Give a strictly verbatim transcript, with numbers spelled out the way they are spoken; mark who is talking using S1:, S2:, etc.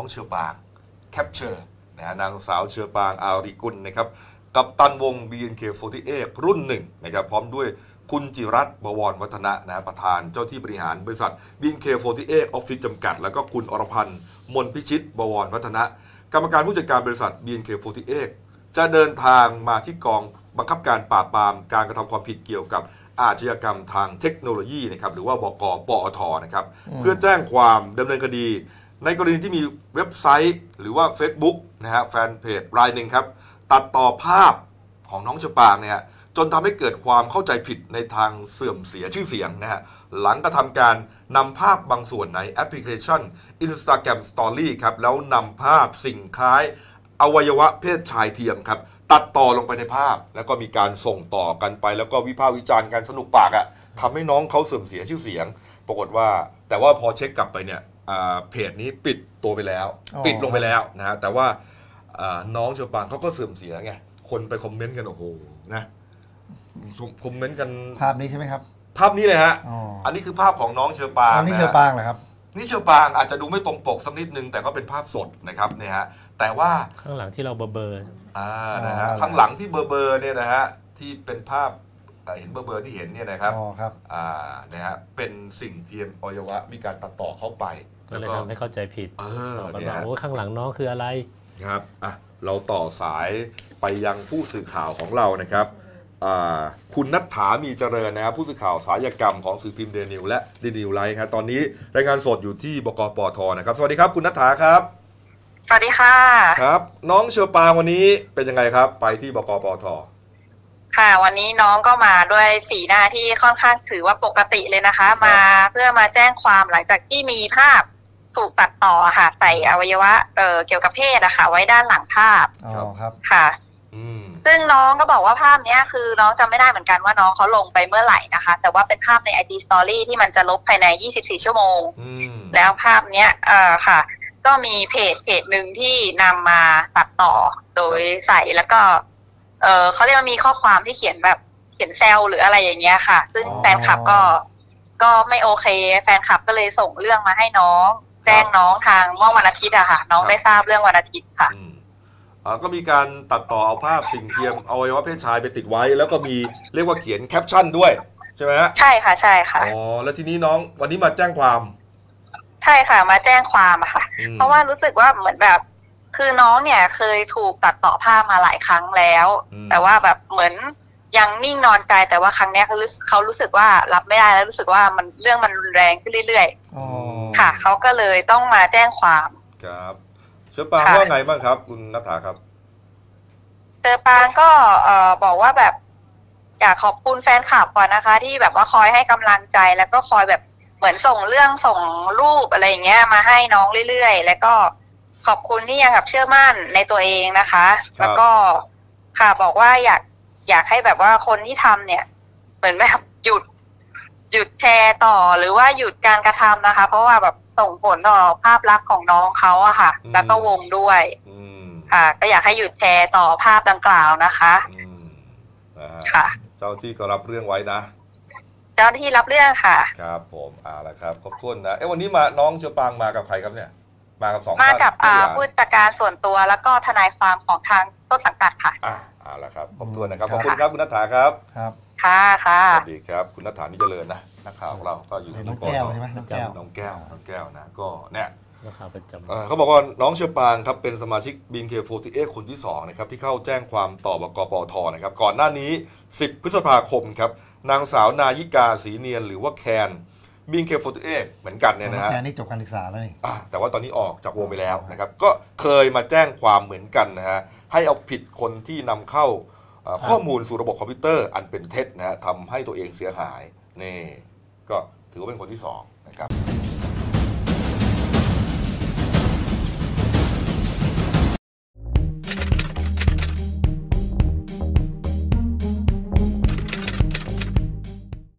S1: เชอปางแคปเจอร์นะฮะนางสาวเชอปางอาริกุลนะครับกัปตันวง บี เอ็น เค สี่สิบแปด รุ่นหนึ่งนะครับพร้อมด้วยคุณจิรัตน์บวรวัฒนะนะประธานเจ้าที่บริหารบริษัท บี เอ็น เค สี่สิบแปด ออฟฟิศจำกัดแล้วก็คุณอรพันธ์มนพิชิตบวรวัฒนะกรรมการผู้จัดการบริษัท บี เอ็น เค สี่สิบแปด จะเดินทางมาที่กองบังคับการปราบปรามการกระทำความผิดเกี่ยวกับอาชญากรรมทางเทคโนโลยีนะครับหรือว่าบก.ปอท.นะครับเพื่อแจ้งความดำเนินคดีในกรณีที่มีเว็บไซต์หรือว่า Facebook นะฮะแฟนเพจรายหนึ่งครับตัดต่อภาพของน้องเชอปางเนี่ยจนทำให้เกิดความเข้าใจผิดในทางเสื่อมเสียชื่อเสียงนะฮะหลังกระทำการนำภาพบางส่วนในแอปพลิเคชัน Instagram Story ครับแล้วนำภาพสิ่งคล้ายอวัยวะเพศชายเทียมครับตัดต่อลงไปในภาพแล้วก็มีการส่งต่อกันไปแล้วก็วิพากษ์วิจารณ์กันสนุกปากอะ่ะทำให้น้องเขาเสื่อมเสียชื่อเสียงปรากฏว่าแต่ว่าพอเช็คกลับไปเนี่ยเพจนี้ปิดตัวไปแล้วปิดลงไปแล้วนะฮะแต่ว่าน้องเชอปางเขาก็เสื่อมเสียไงคนไปคอมเมนต์กันโอ้โหนะคอมเมนต์กัน
S2: ภาพนี้ใช่ไหมครับ
S1: ภาพนี้เลยฮะ อ, อันนี้คือภาพของน้องเชอปาง
S2: อันนี้เชอปางเหรอครับ
S1: นี่เชอปางอาจจะดูไม่ตรงปกสักนิดนึงแต่ก็เป็นภาพสดนะครับเนี่ยฮะแต่ว่า
S3: ข้างหลังที่เราเบอร์เบอร์
S1: อ่านะฮะข้างหลังที่เบอร์เบอร์เนี่ยนะฮะที่เป็นภาพเห็นเบอร์เบอร์ที่เห็นเนี่ยนะครับ
S2: อ๋อครับ
S1: อ่านะฮะเป็นสิ่งเทียมอวัยวะมีการตัดต่อเข้าไป
S3: ก็เลยทำให้เข้าใจผิด
S1: เออ
S3: เนี่ยโอ้ข้างหลังน้องคืออะไร
S1: ครับอ่ะเราต่อสายไปยังผู้สื่อข่าวของเรานะครับคุณณัฐฐามีเจริญนะครับผู้สื่อข่าวสายกรรมของสื่อพิมพ์เดนิวและเดนิวไลฟ์ครับตอนนี้รายงานสดอยู่ที่บก.ปอท.นะครับสวัสดีครับคุณณัฐฐาครับ
S4: สวัสดีค่ะ
S1: ครับน้องเชอปางวันนี้เป็นยังไงครับไปที่บก.ปอท.
S4: ค่ะวันนี้น้องก็มาด้วยสีหน้าที่ค่อนข้างถือว่าปกติเลยนะคะมาเพื่อมาแจ้งความหลังจากที่มีภาพถูกตัดต่อค่ะใส่อวัยวะเอ่อเกี่ยวกับเพศอะค่ะไว้ด้านหลังภาพ
S2: อ๋อครับ
S4: ค่ะซึ่งน้องก็บอกว่าภาพนี้คือน้องจำไม่ได้เหมือนกันว่าน้องเขาลงไปเมื่อไหร่นะคะแต่ว่าเป็นภาพใน ไอ จี Story ที่มันจะลบภายในยี่สิบสี่ชั่วโมงแล้วภาพเนี้ยเอ่อค่ะก็มีเพจเพจหนึ่งที่นำมาตัดต่อโดยใส่แล้วก็เออเขาเรียกว่ามีข้อความที่เขียนแบบเขียนแซวหรืออะไรอย่างเงี้ยค่ะซึ่งแฟนคลับก็ก็ไม่โอเคแฟนคลับก็เลยส่งเรื่องมาให้น้องแจ้งน้องทางเมื่อวันอาทิตย์อะค่ะน้องได้ทราบเรื่องวันอาทิตย์ค่ะ
S1: ก็มีการตัดต่อเอาภาพสิ่งเทียมอวัยวะเพศชายไปติดไว้แล้วก็มีเรียกว่าเขียนแคปชั่นด้วยใช่ไหมฮะ
S4: ใช่ค่ะใช่ค่ะ
S1: อ๋อแล้วทีนี้น้องวันนี้มาแจ้งความ
S4: ใช่ค่ะมาแจ้งความค่ะเพราะว่ารู้สึกว่าเหมือนแบบคือน้องเนี่ยเคยถูกตัดต่อภาพมาหลายครั้งแล้วแต่ว่าแบบเหมือนยังนิ่งนอนใจแต่ว่าครั้งนี้เขาเขารู้สึกว่ารับไม่ได้แล้วรู้สึกว่ามันเรื่องมันรุนแรงขึ้นเรื่อยๆค่ะเขาก็เลยต้องมาแจ้งความ
S1: ครับเชอปางว่าไงบ้างครับคุณณัฐฐาครับ
S4: เชอปางก็เอ่อบอกว่าแบบอยากขอบคุณแฟนคลับก่อนนะคะที่แบบว่าคอยให้กำลังใจแล้วก็คอยแบบเหมือนส่งเรื่องส่งรูปอะไรอย่างเงี้ยมาให้น้องเรื่อยๆแล้วก็ขอบคุณที่ยังแบบเชื่อมั่นในตัวเองนะคะแล้วก็ค่ะบอกว่าอยากอยากให้แบบว่าคนที่ทำเนี่ยเหมือนแบบหยุดหยุดแชร์ต่อหรือว่าหยุดการกระทำนะคะเพราะว่าแบบส่งผลต่อภาพลักษณ์ของน้องเขาอะค่ะแล้วก็วงด้วยค่ะก็อยากให้หยุดแชร์ต่อภาพดังกล่าวนะคะ
S1: ค่ะเจ้าที่ก็รับเรื่องไว้นะ
S4: เจ้าที่รับเรื่องค่ะ
S1: ครับผมเอาละครับขอบคุณนะเอ้วันนี้มาน้องเชอปางมากับใครครับเนี่ยมากับสอง
S4: มากับผู้จัดการส่วนตัวแล้วก็ทนายความของทางต้นสังกัดค่ะ
S1: อ่าเอาละครับขอบคุณนะครับขอบคุณครับคุณณัฐฐาครับ
S2: ครับ
S4: ค่ะค่ะ
S1: สวัสดีครับคุณณัฐฐานี่เจริญนะนักข่าวของเราก็อยู่ที่
S2: น้องแก้วใช่ไหมน้องแก้ว
S1: น้องแก้วน้องแก้วนะก็เนี่ย
S3: ข่าวประจ
S1: ำเขาบอกว่าน้องเชอปางครับเป็นสมาชิก บี เอ็น เค สี่สิบแปด คนที่สองนะครับที่เข้าแจ้งความต่อบก.ปอท.นะครับก่อนหน้านี้สิบพฤษภาคมครับนางสาวนายิกาศรีเนียนหรือว่าแคน บี เอ็น เค สี่สิบแปด เหมือนกันเนี่ยนะฮะ
S2: แคนนี่จบการศึกษาแล้วนี่
S1: แต่ว่าตอนนี้ออกจากวงไปแล้วนะครับก็เคยมาแจ้งความเหมือนกันนะฮะให้เอาผิดคนที่นำเข้าข้อมูลสู่ระบบคอมพิวเตอร์อันเป็นเท็จนะฮะทำให้ตัวเองเสียหายนี่ก็ถือว่าเป็นคนที่สอง